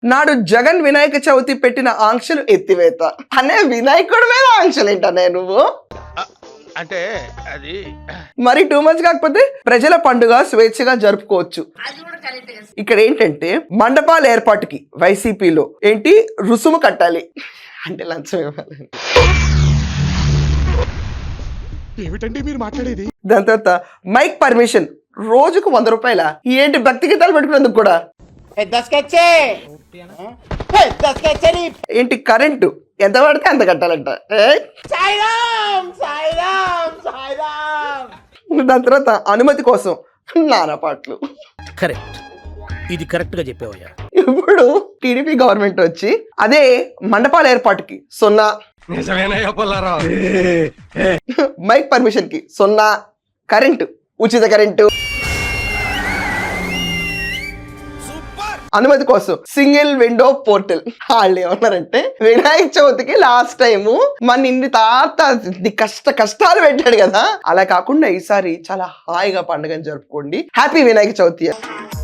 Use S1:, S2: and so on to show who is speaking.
S1: నాడు జగన్ వినాయక చవితి పెట్టిన ఆంక్షలు ఎత్తివేత. అనే వినాయకుడి మీద ఆంక్షలు ఏంటనే నువ్వు?
S2: అంటే అది
S1: మరి టూ మచ్ కాకపోతే ప్రజల పండుగ స్వేచ్ఛగా జరుపుకోవచ్చు. ఇక్కడ ఏంటంటే మండపాల ఏర్పాటుకి వైసీపీలో ఏంటి రుసుము కట్టాలి అంటే లంచం ఇవ్వాలి.
S3: ఏమిటండి మీరు మాట్లాడేది?
S1: దాని తర్వాత మైక్ పర్మిషన్ రోజుకు 100 రూపాయల. ఏంటి భక్తి గీతాలు పెట్టుకునేందుకు కూడా ఏంటి కరెంటు ఎంత పడితే అంత కట్టాలంట. దాని తర్వాత అనుమతి కోసం నానా పాటలు.
S4: కరెక్ట్, ఇది కరెక్ట్ గా చెప్పావయ్యా.
S1: ఇప్పుడు టీడీపీ గవర్నమెంట్ వచ్చి అదే మండపాల ఏర్పాటుకి 0, మైక్ పర్మిషన్ కి 0, కరెంటు ఉచిత కరెంటు, అనుమతి కోసం సింగిల్ విండో పోర్టల్. వాళ్ళు ఏమన్నారంటే వినాయక చవితికి లాస్ట్ టైం మన ఇన్ని తాత కష్టాలు పెట్టాడు కదా, అలా కాకుండా ఈసారి చాలా హాయిగా పండుగను జరుపుకోండి. హ్యాపీ వినాయక చవితి.